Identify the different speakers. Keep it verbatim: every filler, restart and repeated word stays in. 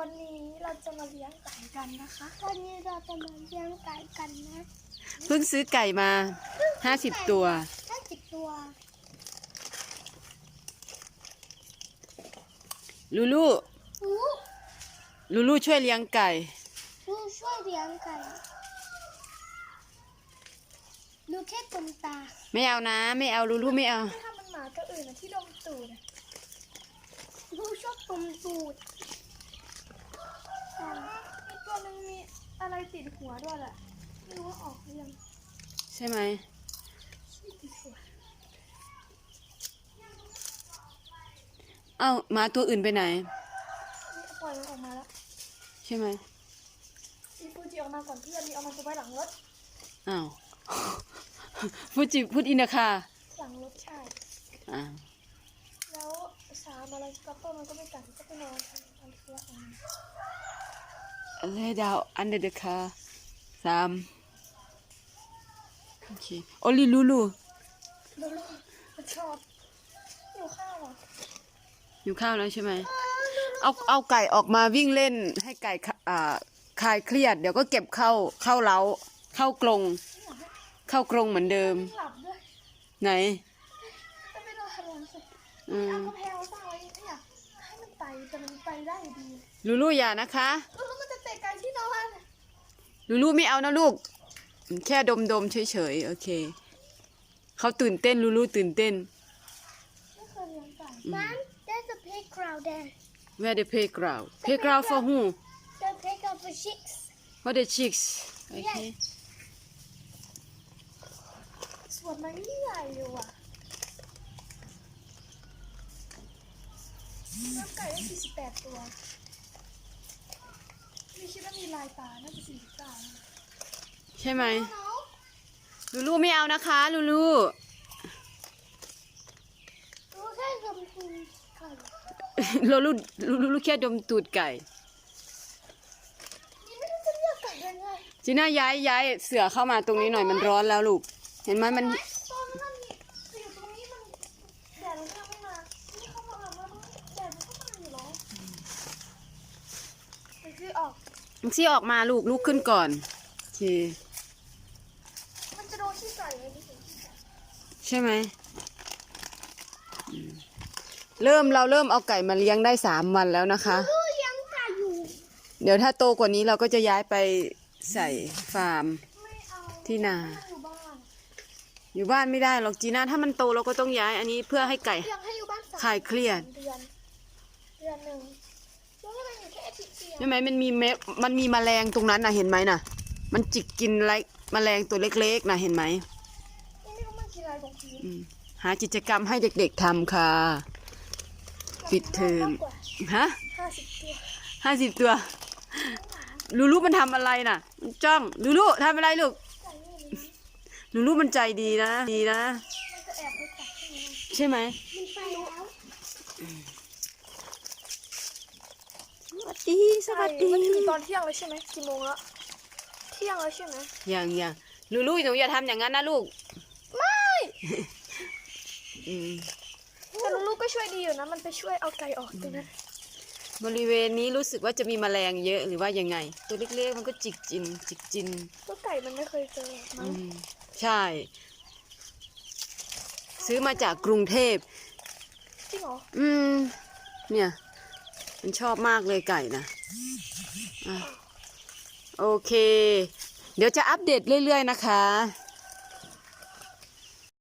Speaker 1: วันนี้เราจะมาเลี้ยงไก่กันนะคะวันนี้เราจะมาเลี้ยงไก่กันนะ
Speaker 2: เพิ่งซื้อไก่มาห้าสิบตัว
Speaker 1: ห้าสิบตัว
Speaker 2: ลูลูลูลูช่วยเลี้ยงไก่
Speaker 1: ลูช่วยเลี้ยงไก่ลูแค่ตมตา
Speaker 2: ไม่เอานะไม่เอาลูลูไม่เอา
Speaker 1: ถ้ามันหมาตัวอื่นที่ดมตูดลูชอบดมตูดอีกตัวนึงมีอะไรติดหัวด้วยแหละไม่รู้ว่าออกหรือยัง
Speaker 2: ใช่ไหมเอ้าหมาตัวอื่นไปไหน
Speaker 1: ปล่อยมันออกมาแล้ว
Speaker 2: ใช่ไหม
Speaker 1: อีฟูจิออกมาก่อนเพื่อนมีเอามาตัวไว้หลังรถ
Speaker 2: อ้าวฟูจิพูดอินนะค่ะ
Speaker 1: หลังรถใช่
Speaker 2: อ้าว
Speaker 1: แล้วสามอะไรกับต้นมันก็ไม่กัดก็ไปนอนทำทำเสื้อของมัน
Speaker 2: lay down under the car สามโอเคโอลิลูลู
Speaker 1: ลูลูมันชอบอยู่ข้าวอ่ะ
Speaker 2: อยู่ข้าวแล้วใช่ไหมเอาเอาไก่ออกมาวิ่งเล่นให้ไก่อ่าคลายเครียดเดี๋ยวก็เก็บเข้าเข้าเล้าเข้ากรงเข้ากรงเหมือนเดิม
Speaker 1: หลับด้วย
Speaker 2: ไหน
Speaker 1: ก็ไม่ต้องทำอะไร
Speaker 2: อืม
Speaker 1: เอากระเพราสร้างไว้เนี่ยให้มันไต่แต่มันไต่ได้ดี
Speaker 2: ลูลูอย่านะคะ
Speaker 1: ลูลูมันจะเตะไก่ที่นอน
Speaker 2: ลูลูไม่เอานะลูกแค่ดมดมเฉยๆโอเคเขาตื่นเต้นลูลูตื่นเต้น
Speaker 1: ไม่เคยเลี้ยงไก่ Mom there's a playground there
Speaker 2: Where the playground playground for who
Speaker 1: the playground for chicks
Speaker 2: for the chicks โอเค
Speaker 1: สวนมันใหญ่อยู่อ่ะเลี้ยงไก่ได้สี่สิบแปดตัวไม่คิดว่ามีลายตาน่าจะสี่สิบเก้า
Speaker 2: ใช่ไหมลูลูไม่เอานะคะลูลู
Speaker 1: ลูแค่ดมตูดไก่
Speaker 2: ลูลูลูลูแค่ดมตูดไก่
Speaker 1: นี่ไม่รู้จะเรียกไก่ยังไง
Speaker 2: จีน่าย้ายย้ายเสือเข้ามาตรงนี้หน่อยมันร้อนแล้วลูกเห็นไหมมัน
Speaker 1: ตอนนั้นอยู่ตรงนี้มันแดดมันยังไม่มาที่เข้ามาแล้วแดดมันก็มาอยู่แล้วมันคือออก
Speaker 2: มันซี่ออกมาลูกลูกขึ้นก่อนโอเค
Speaker 1: มันจะโดนที่ไก่เลย
Speaker 2: ใช่ไหมเริ่มเราเริ่มเอาไก่มาเลี้ยงได้สามวันแล้วนะคะ
Speaker 1: ลูกยังไก่อยู่
Speaker 2: เดี๋ยวถ้าโตกว่านี้เราก็จะย้ายไปใส่ฟาร์มที่นาอยู่บ้านไม่ได้หรอกจีน่าถ้ามันโตเราก็ต้องย้ายอันนี้เพื่อให้ไก่คลายเครียด
Speaker 1: เดือนเดือนหนึ่งแล้วทำไมอยู่แค่อาทิตย์เดียว
Speaker 2: ใช่ไหมมันมีเมมันมีแมลงตรงนั้นนะเห็นไหมน่ะมันจิกกินไรแมลงตัวเล็กๆนะเห็นไหม
Speaker 1: ไม่รู้มันกินอะไรของพี่
Speaker 2: หากิจกรรมให้เด็กๆทำค่ะปิดเทอมฮะ
Speaker 1: ห้าสิบตัว
Speaker 2: ห้าสิบตัวลูลูมันทำอะไรน่ะมันจ้องลูลูทำอะไรลูกลูลูมันใจดีนะดีนะใช่ไหมสวัสดีสวัสดี
Speaker 1: มันคือตอนเที่ยงเลยใช่ไหมกี่โมงแล้วเที่ยงแล้วใช่ไหม
Speaker 2: ยังยังลูลูหนูอย่าทำอย่างนั้นนะลูก
Speaker 1: ไม่แต่ลูกก็ช่วยดีอยู่นะมันไปช่วยเอาไก่ออกตรงนั้น
Speaker 2: บริเวณนี้รู้สึกว่าจะมีแมลงเยอะหรือว่ายังไงตัวเล็กๆมันก็จิกจินจิกจิน
Speaker 1: ตัวไก่มันไม่เคยเจอมั้ง
Speaker 2: ใช่ซื้อมาจากกรุงเทพ
Speaker 1: จริงเหรอ
Speaker 2: อืมเนี่ยมันชอบมากเลยไก่นะโอเคเดี๋ยวจะอัปเดตเรื่อยๆนะคะ